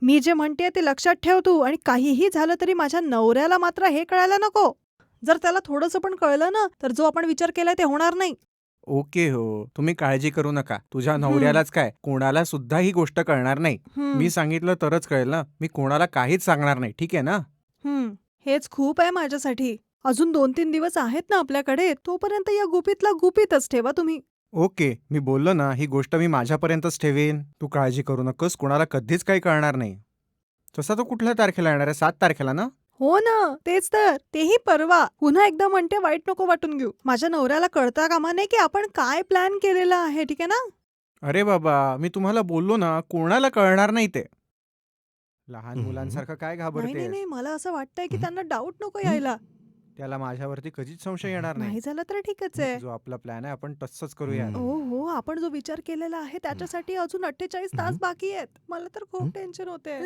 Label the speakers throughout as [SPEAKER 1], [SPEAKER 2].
[SPEAKER 1] मी जे म्हणतेय ते लक्षात ठेव तू, आणि काहीही झालं तरी माझ्या नवऱ्याला मात्र हे कळायला नको. जर त्याला थोडंसं पण कळलं ना, तर जो आपण विचार केलाय ते होणार नाही.
[SPEAKER 2] ओके हो, तुम्ही काळजी करू नका. तुझ्या
[SPEAKER 1] हं,
[SPEAKER 2] नवऱ्यालाच काय, कोणाला सुद्धा ही गोष्ट कळणार नाही.
[SPEAKER 1] हं,
[SPEAKER 2] मी सांगितलं तरच कळेल ना. मी कोणाला काहीच सांगणार नाही, ठीक आहे ना?
[SPEAKER 1] हेच खूप आहे माझ्यासाठी. अजून 2-3 दिवस आहेत ना आपल्याकडे, तोपर्यंत या गुपितला गुपितच ठेवा तुम्ही.
[SPEAKER 2] ओके, मी बोललो ना, ही गोष्ट मी माझ्यापर्यंतच ठेवीन. तू काळजी करू नकोस, कोणाला कधीच काही कळणार नाही. तसा तो कुठल्या तारखेला येणार आहे? 7 तारखेला ना?
[SPEAKER 1] हो ना, तेच तर. तेही परवा. पुन्हा एकदा म्हणते, वाईट नको वाटून घेऊ. माझ्या नवऱ्याला कळता कामा नये की आपण काय प्लॅन केलेला आहे, ठीक आहे ना?
[SPEAKER 2] अरे बाबा, मी तुम्हाला बोललो ना, कोणाला कळणार नाही ते. लहान
[SPEAKER 3] हं.
[SPEAKER 2] मुलांसारखं काय
[SPEAKER 1] नाही, नाही,
[SPEAKER 2] घाबरतेस?
[SPEAKER 1] नाही. मला असं वाटतंय की
[SPEAKER 3] हं.
[SPEAKER 1] त्यांना डाऊट नको
[SPEAKER 3] हं.
[SPEAKER 1] यायला.
[SPEAKER 2] त्याला माझ्यावरती कधीच संशय येणार नाही.
[SPEAKER 1] नाही झालं तर ठीकच आहे.
[SPEAKER 2] जो आपला प्लॅन आहे आपण तसंच करूयात.
[SPEAKER 1] हो, हो. आपण जो विचार केलेला आहे त्याच्यासाठी अजून 48 तास बाकी आहेत. मला तर खूप टेन्शन होतंय.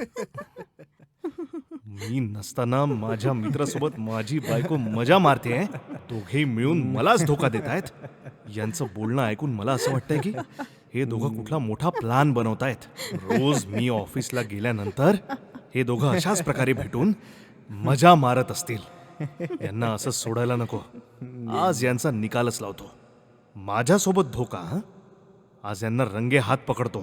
[SPEAKER 3] मी नसताना माझ्या मित्रासोबत माझी बायको मजा मारतेय. दोघेही मिळून मलाच धोका देत आहेत. यांचं बोलणं ऐकून मला असं वाटतंय की हे दोघं कुठला मोठा प्लॅन बनवतायत. रोज मी ऑफिसला गेल्यानंतर हे दोघं अशाच प्रकारे भेटून मजा मारत असतील. यांना असं सोडायला नको. आज यांचा निकालच लावतो. माझ्यासोबत धोका हं? आज यांना रंगे हात पकडतो.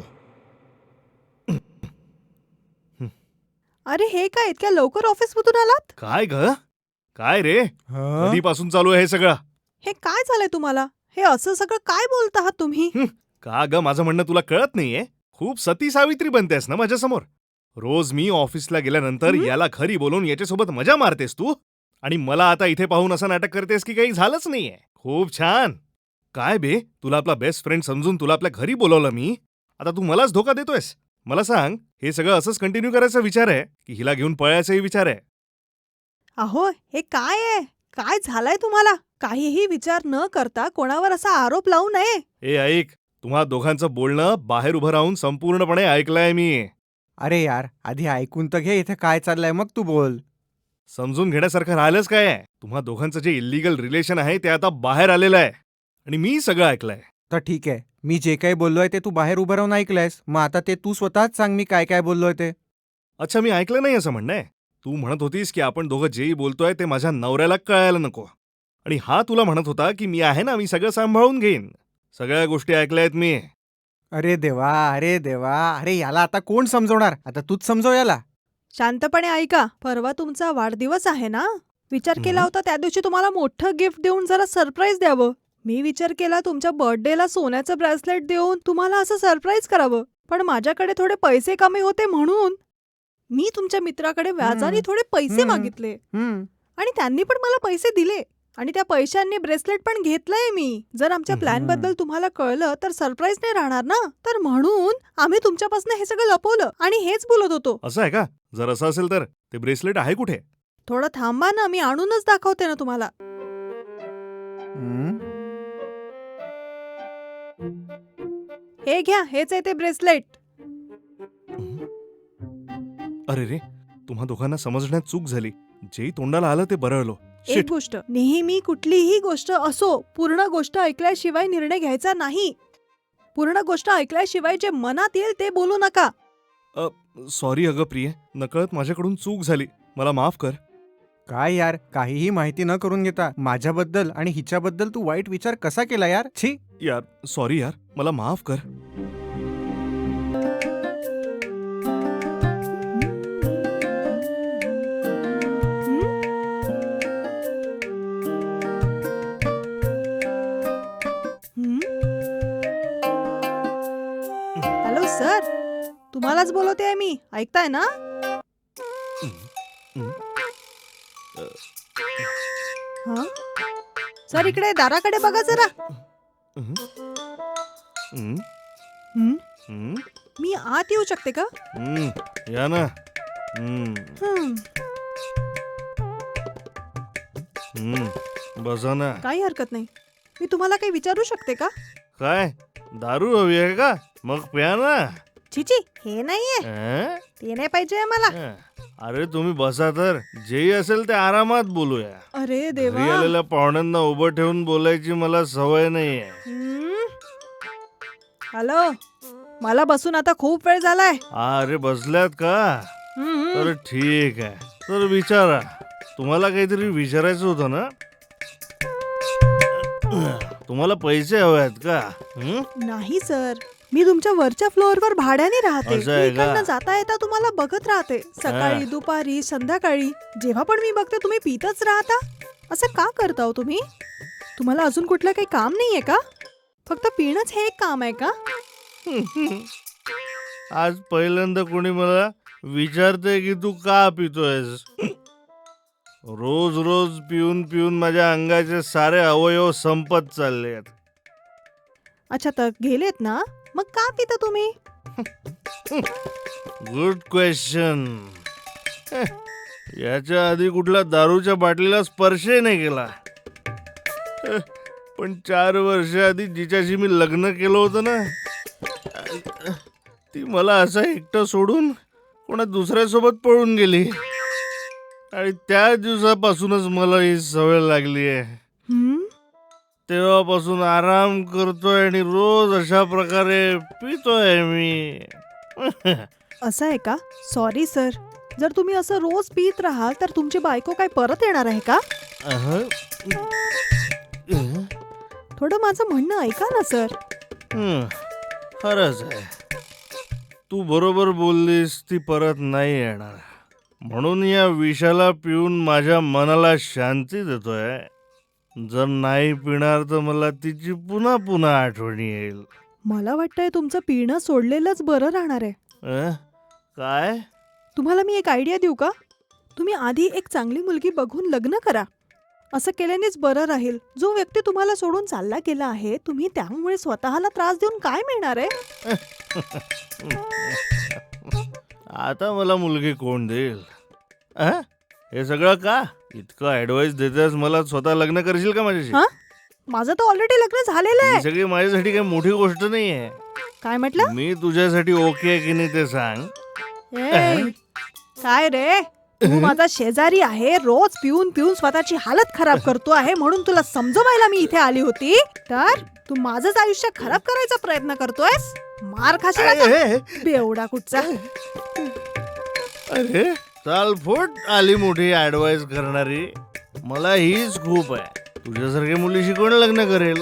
[SPEAKER 1] अरे हे काय इतक्या लवकर ऑफिसमधून आलात?
[SPEAKER 3] काय ग? काय रे?
[SPEAKER 2] हं?
[SPEAKER 3] कधीपासून चालू आहे हे सगळं?
[SPEAKER 1] हे काय झालंय तुम्हाला? हे असं सगळं काय बोलत आहात तुम्ही?
[SPEAKER 3] का ग, माझं म्हणणं तुला कळत नाहीये? खूप सती सावित्री बनतेस ना माझ्यासमोर. रोज मी ऑफिसला गेल्यानंतर याला घरी बोलून याच्यासोबत मजा मारतेस तू, आणि मला आता इथे पाहून असं नाटक करतेस की काही झालंच नाहीये. खूप छान. काय बे, तुला आपला बेस्ट फ्रेंड समजून तुला आपल्या घरी बोलवलं मी, आता तू मलाच धोका देतोयस? मला सांग, हे सगळं असंच कंटिन्यू करायचा विचार आहे की हिला घेऊन पळायचाही विचार आहे?
[SPEAKER 1] अहो, हे काय आहे? काय झालंय तुम्हाला? काहीही विचार न करता कोणावर असा आरोप लावू नये.
[SPEAKER 3] ए ऐक, तुम्हा दोघांचं बोलणं बाहेर उभं राहून संपूर्णपणे ऐकलंय मी.
[SPEAKER 2] अरे यार, आधी ऐकून तर घे इथे काय चाललंय, मग तू बोल.
[SPEAKER 3] समजून घेण्यासारखं राहिलंच काय आहे? तुम्हा दोघांचं जे इल्लीगल रिलेशन आहे ते आता बाहेर आलेलं आहे, आणि मी सगळं ऐकलंय.
[SPEAKER 2] तर ठीक आहे, मी जे काही बोललोय ते तू बाहेर उभं राहून ऐकलंयस. मग आता ते तू स्वतःच सांग मी काय काय बोललोय ते.
[SPEAKER 3] अच्छा, मी ऐकलं नाही असं म्हणणं आहे? तू म्हणत होतीस की आपण दोघं जेही बोलतोय ते माझ्या नवऱ्याला कळायला नको, आणि हा तुला म्हणत होता की मी आहे ना, मी सगळं सांभाळून घेईन. सगळ्या गोष्टी ऐकल्यात मी.
[SPEAKER 2] अरे देवा, अरे देवा, अरे याला आता कोण समजवणार? आता तूच समजव याला.
[SPEAKER 1] शांतपणे ऐका. परवा तुमचा वाढदिवस आहे ना? विचार केला होता त्या दिवशी तुम्हाला मोठं गिफ्ट देऊन जरा सरप्राईज द्यावं. मी विचार केला तुमच्या बर्थडेला सोन्याचं ब्रेसलेट देऊन तुम्हाला असं सरप्राईज करावं. पण माझ्याकडे थोडे पैसे कमी होते म्हणून मी तुमच्या मित्राकडे व्याजाने थोडे पैसे
[SPEAKER 2] हम्म.
[SPEAKER 1] मागितले,
[SPEAKER 2] हम्म.
[SPEAKER 1] आणि त्यांनी पण मला पैसे दिले, आणि त्या पैशांनी ब्रेसलेट पण घेतलंय मी. जर आमच्या प्लॅन बद्दल तुम्हाला कळलं तर सरप्राईज नाही राहणार ना, तर म्हणून आम्ही तुमच्यापासून हे सगळं लपवलं आणि हेच बोलत होतो.
[SPEAKER 3] असं आहे का? जर असं असेल तर ते ब्रेसलेट आहे कुठे?
[SPEAKER 1] थोडं थांबा ना, मी आणूनच दाखवते ना तुम्हाला.
[SPEAKER 2] हम्म.
[SPEAKER 1] हे घ्या, हेच आहे ते ब्रेसलेट.
[SPEAKER 3] अरे रे, तुम्हा दोघांना समजण्यात चूक झाली. जेही तोंडाला आलं ते बरळलो.
[SPEAKER 1] एक
[SPEAKER 3] शिट.
[SPEAKER 1] गोष्ट, नेहमी कुठलीही गोष्ट असो, पूर्ण गोष्ट ऐकल्याशिवाय निर्णय घ्यायचा नाही. पूर्ण गोष्ट ऐकल्याशिवाय जे मनात येईल ते बोलू नका.
[SPEAKER 3] सॉरी अगं प्रिये, नकळत माझ्याकडून चूक झाली. मला माफ कर.
[SPEAKER 2] काय यार, काहीही माहिती न करून घेता माझ्याबद्दल आणि हिच्याबद्दल तू वाईट विचार कसा केला यार? छी.
[SPEAKER 3] यार, सॉरी यार, मला माफ कर.
[SPEAKER 1] हॅलो सर, तुम्हालाच बोलवते आहे मी, ऐकताय ना? हं? सर इकडे दाराकडे बघा जरा.
[SPEAKER 3] हं? हं?
[SPEAKER 1] हं?
[SPEAKER 3] हं?
[SPEAKER 1] मी आत येऊ शकते का?
[SPEAKER 3] हं, या ना. हं,
[SPEAKER 1] हं,
[SPEAKER 3] हं. बसा ना.
[SPEAKER 1] काही हरकत नाही. मी तुम्हाला काही विचारू शकते का?
[SPEAKER 3] काय, दारू हवी आहे का? मग प्या ना.
[SPEAKER 1] छिची, हे नाहीये.
[SPEAKER 3] हं?
[SPEAKER 1] ते नाही पाहिजे मला.
[SPEAKER 3] हं. अरे तुम्ही बसा तर, जेही असेल ते आरामात बोलूया.
[SPEAKER 1] अरे
[SPEAKER 3] घरी
[SPEAKER 1] देवा.
[SPEAKER 3] आलेल्या पाहुण्यांना उभं ठेवून बोलायची मला सवय नाहीये.
[SPEAKER 1] हं? हॅलो, मला बसून आता खूप वेळ झालाय.
[SPEAKER 3] अरे बसल्यात का?
[SPEAKER 1] हम्म.
[SPEAKER 3] तर ठीक आहे. तर विचारा. तुम्हाला काहीतरी विचारायचं होतं ना? तुम्हाला पैसे हवे आहेत का? हं?
[SPEAKER 1] नाही सर, मी तुमच्या वरच्या फ्लोअरवर भाड्याने राहते.
[SPEAKER 3] असं आहे
[SPEAKER 1] मी
[SPEAKER 3] का?
[SPEAKER 1] इकडनं जाता येता तुम्हाला बघत राहते. सकाळी,
[SPEAKER 3] हा.
[SPEAKER 1] दुपारी, संध्याकाळी जेव्हा पण मी बघते तुम्ही पितच राहता. असं का करता हो तुम्ही? तुम्हाला अजून कुठलं काही काम नाहीये का? फक्त पिणंच हे एक काम आहे का?
[SPEAKER 3] आज पहिल्यांदा कोणी मला विचारते की तू का पितोयस. रोज रोज पिऊन पिऊन माझ्या अंगाचे सारे अवयव संपत चालले आहेत.
[SPEAKER 1] अच्छा, तर गेलेत ना? मग का पिता तुम्ही?
[SPEAKER 3] Good question. याच्या आधी कुठल्या दारूच्या बाटलीला स्पर्शही नाही केला. पण 4 वर्ष आधी जिच्याशी मी लग्न केलं होतं ना, ती मला असं एकटं सोडून कोणा दुसऱ्यासोबत पळून गेली. आणि त्या दिवसापासूनच मला ही सवय लागली आहे.
[SPEAKER 1] हम्म?
[SPEAKER 3] तेव्हापासून आराम करतोय आणि रोज अशा प्रकारे पितोय मी.
[SPEAKER 1] असं आहे का? Sorry sir. जर तुम्ही असं रोज पित राहाल तर तुमची बायको काय परत येणार आहे का?
[SPEAKER 3] अहं.
[SPEAKER 1] थोडं माझं म्हणणं ऐका ना सर.
[SPEAKER 3] खरंच आहे. तू बरोबर बोललीस, ती परत नाही येणार. म्हणून या विषाला पिऊन माझ्या मनाला शांती देतोय. जर नाही पिणार तर मला तिची पुन्हा पुन्हा आठवण येईल.
[SPEAKER 1] मला वाटतंय तुमचं पिणं सोडलेलंच बरं राहणार आहे.
[SPEAKER 3] काय?
[SPEAKER 1] तुम्हाला मी एक आयडिया देऊ का? तुम्ही आधी एक चांगली मुलगी बघून लग्न करा. असं केल्यानेच बरं राहील. जो व्यक्ती तुम्हाला सोडून चालला गेला आहे, तुम्ही त्यामुळे स्वतःला त्रास देऊन काय मिळणार आहे?
[SPEAKER 3] आता मला मुलगी कोण देईल? हे सगळं का? इतकं ऍडवाइस देतेस मला, स्वतः लग्न करशील का माझ्याशी?
[SPEAKER 1] हा? माझं तर ऑलरेडी लग्न झालेलं
[SPEAKER 3] ही
[SPEAKER 1] आहे.
[SPEAKER 3] सगळी माझ्यासाठी काही मोठी गोष्ट नाहीये.
[SPEAKER 1] काय म्हटलं?
[SPEAKER 3] मी तुझ्यासाठी ओके आहे की नाही ते सांग.
[SPEAKER 1] ए, काय रे? तू माझा शेजारी आहे. रोज पिऊन पिऊन स्वतःची हालत खराब करतो आहे, म्हणून तुला समजवायला मी इथे आली होती. तर तू माझंच आयुष्य खराब करायचा प्रयत्न करतोयस. मार खाशील आता. बेवडा कुठचा.
[SPEAKER 3] अरे चालफोट आली मोठी ऍडवाइस करणारी. मला हीच खूप आहे. तुझ्यासारख्या मुलीशी कोण लग्न करेल?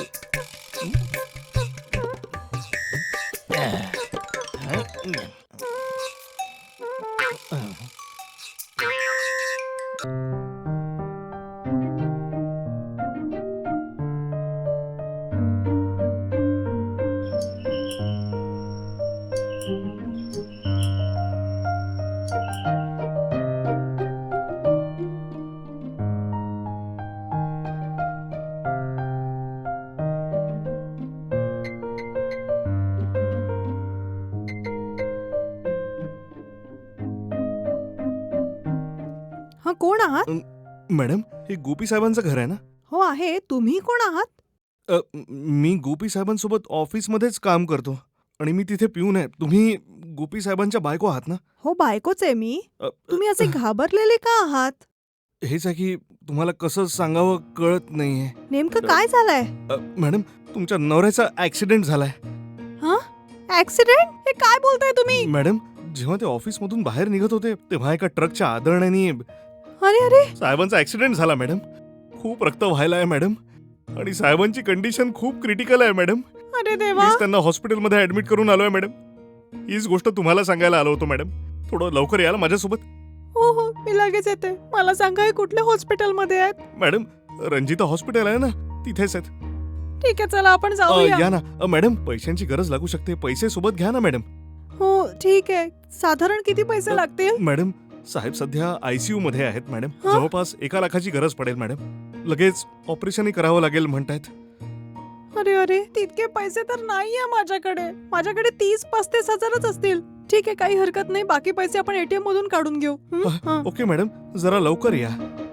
[SPEAKER 1] हा, कोण आहात?
[SPEAKER 3] मॅडम, हे गोपी साहेबांचं घर आहे ना?
[SPEAKER 1] हो आहे. तुम्ही कोण आहात?
[SPEAKER 3] मी गोपी साहेबांसोबत ऑफिसमध्येच काम करतो आणि मी तिथे पिऊन आहे. तुम्ही गोपी साहेबांच्या बायको आहात ना?
[SPEAKER 1] हो, बायकोच आहे मी.
[SPEAKER 3] अ,
[SPEAKER 1] तुम्ही असे घाबरलेले का आहात?
[SPEAKER 3] हेच आहे की तुम्हाला कसं सांगावं कळत नाहीये.
[SPEAKER 1] नेमकं काय झालंय?
[SPEAKER 3] मॅडम, तुमच्या नवऱ्याचा ऍक्सिडेंट झालाय.
[SPEAKER 1] हा? ऍक्सिडेंट? हे काय बोलताय तुम्ही?
[SPEAKER 3] मॅडम, जेव्हा ते ऑफिसमधून बाहेर निघत होते तेव्हा एका ट्रकच्या आदळण्याने
[SPEAKER 1] अरे अरे.
[SPEAKER 3] साहेबांचा ऍक्सिडेंट झाला मॅडम. खूप रक्त व्हायला आहे मॅडम आणि साहेबांची कंडिशन खूप क्रिटिकल आहे मॅडम.
[SPEAKER 1] अरे देवा.
[SPEAKER 3] मीच त्यांना हॉस्पिटलमध्ये ऍडमिट करून आलोय मॅडम. हीच गोष्ट तुम्हाला सांगायला आलो होतो मॅडम. थोडं लवकर याल माझ्यासोबत.
[SPEAKER 1] हो हो, मी लगेच येते. मला सांगा, हे कुठल्या हॉस्पिटलमध्ये आहेत?
[SPEAKER 3] मॅडम, रंजिता हॉस्पिटल आहे ना, तिथेच आहेत.
[SPEAKER 1] ठीक आहे, चला आपण जाऊया.
[SPEAKER 3] या ना. मॅडम, पैशांची गरज लागू शकते. पैसे सोबत घ्या ना मॅडम.
[SPEAKER 1] हो ठीक आहे. साधारण किती पैसे लागतील?
[SPEAKER 3] मॅडम, साहेब सध्या आयसीयू मध्ये आहेत मॅडम.
[SPEAKER 1] हा?
[SPEAKER 3] जवळपास 1 लाखाची गरज पडेल मॅडम. लगेच ऑपरेशनही करावं लागेल म्हणतायत.
[SPEAKER 1] अरे अरे, तितके पैसे तर नाहीये माझ्याकडे. माझ्याकडे 30-35 हजारच असतील. ठीक आहे, काही हरकत नाही. बाकी पैसे आपण एटीएम मधून काढून घेऊ. हा.
[SPEAKER 3] ओके मॅडम, जरा लवकर या.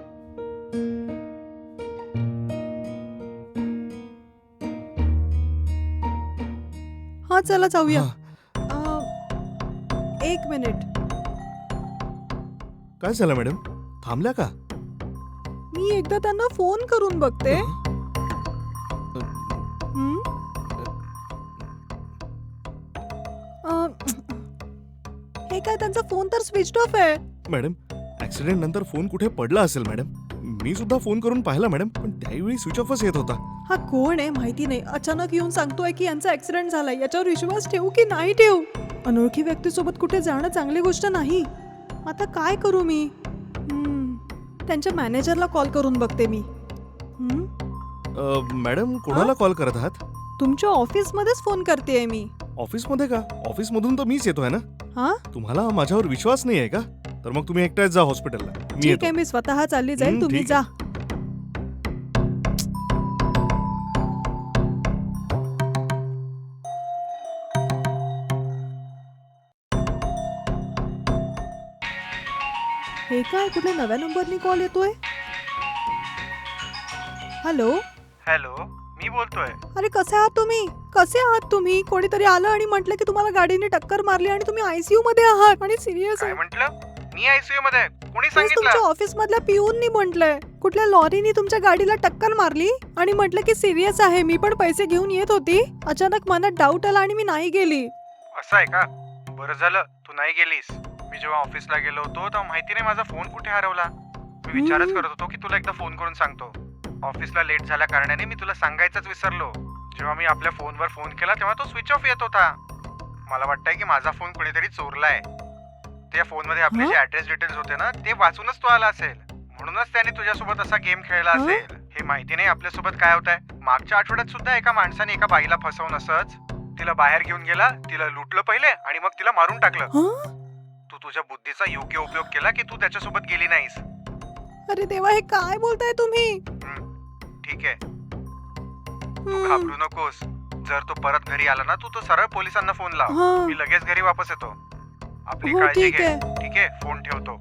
[SPEAKER 1] हा, चला जाऊया.
[SPEAKER 3] हा.
[SPEAKER 1] 1 मिनिट.
[SPEAKER 3] काय झालं मॅडम? थांबल्या का?
[SPEAKER 1] मी एकदा त्यांना फोन करून बघते. हं? आहे त्यांचा फोन तर स्विच ऑफ आहे.
[SPEAKER 3] मॅडम ऍक्सिडेंट नंतर फोन कुठे पडला असेल मॅडम. मी सुद्धा फोन करून पाहिला मॅडम, पण त्यावेळी स्विच ऑफच येत होता.
[SPEAKER 1] हा कोण आहे माहिती नाही, अचानक येऊन सांगतोय की यांचा ऍक्सिडेंट झालाय. याच्यावर विश्वास ठेवू की नाही ठेवू? अनोळखी व्यक्तीसोबत कुठे जाणं चांगली गोष्ट नाही. आता काय करू मी? त्यांच्या मॅनेजरला कॉल करून बघते मी.
[SPEAKER 3] मॅडम कोणाला कॉल करत आहात?
[SPEAKER 1] तुमच्या ऑफिसमध्येच फोन करतेय मी.
[SPEAKER 3] ऑफिसमध्ये का? ऑफिसमधून तर मीच येतोय ना.
[SPEAKER 1] हा
[SPEAKER 3] तुम्हाला माझ्यावर विश्वास नाही आहे का? तर मग तुम्ही एकट्याच जा हॉस्पिटलला, मी
[SPEAKER 1] ठीक
[SPEAKER 3] येतो.
[SPEAKER 1] आहे, मी स्वतः चालली जाईल, तुम्ही
[SPEAKER 3] ठीक
[SPEAKER 1] जा. हे काय, कुठल्या नव्या नंबरनी कॉल येतोय? हॅलो.
[SPEAKER 2] हॅलो, मी बोलतोय.
[SPEAKER 1] अरे कसे आहात तुम्ही? कसे आहात तुम्ही? कोणीतरी आलं आणि म्हटलं की तुम्हाला गाडीने टक्कर मारली आणि तुम्ही आयसीयू मध्ये आहात आणि सिरियस आहे.
[SPEAKER 2] म्हटलं? मी आयसीयू मध्ये? कोणी
[SPEAKER 1] तेच तुमच्या ऑफिस मधल्या पिऊननी म्हटलंय कुठल्या लॉरीनी तुमच्या गाडीला टक्कर मारली आणि म्हटलं की सिरियस आहे. मी पण पैसे घेऊन येत होती, अचानक मनात डाऊट आला आणि मी नाही गेली.
[SPEAKER 2] असं आहे का? बरं झालं तू नाही गेलीस. मी जेव्हा ऑफिसला गेलो होतो तेव्हा माहिती नाही माझा फोन कुठे हरवला. मी विचारच करत होतो की तुला एकदा फोन करून सांगतो. ऑफिसला लेट झाल्या कारणाने मी तुला सांगायचंच विसरलो. जेव्हा मी आपल्या फोनवर फोन केला तेव्हा तो स्विच ऑफ येत होता. मला वाटतंय की माझा फोन कोणीतरी चोरलाय. त्या फोनमध्ये आपले जे ऍड्रेस डिटेल्स होते ना ते वाचूनच तो आला असेल. म्हणूनच त्याने तुझ्यासोबत असा गेम खेळला असेल. हे माहिती नाही आपल्यासोबत काय होत आहे. मागच्या आठवड्यात सुद्धा एका माणसाने एका बाईला फसवून असंच तिला बाहेर घेऊन गेला, तिला लुटलं पहिले आणि मग तिला मारून टाकलं. तू तुझ्या बुद्धीचा योग्य उपयोग केला की तू त्याच्यासोबत गेली नाहीस.
[SPEAKER 1] अरे देवा, हे काय बोलताय तुम्ही?
[SPEAKER 2] ठीक आहे, तू घाबरू नकोस. जर तो परत घरी आला ना तू सरळ पोलिसांना फोन लाव. मी लगेच घरी वापस येतो. आपली काळजी घे. ठीक आहे, फोन ठेवतो.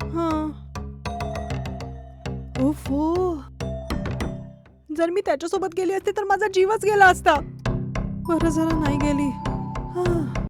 [SPEAKER 1] ओफो, जर मी त्याच्यासोबत गेली असते तर माझा जीवच गेला असता. बरं झालं नाही गेली.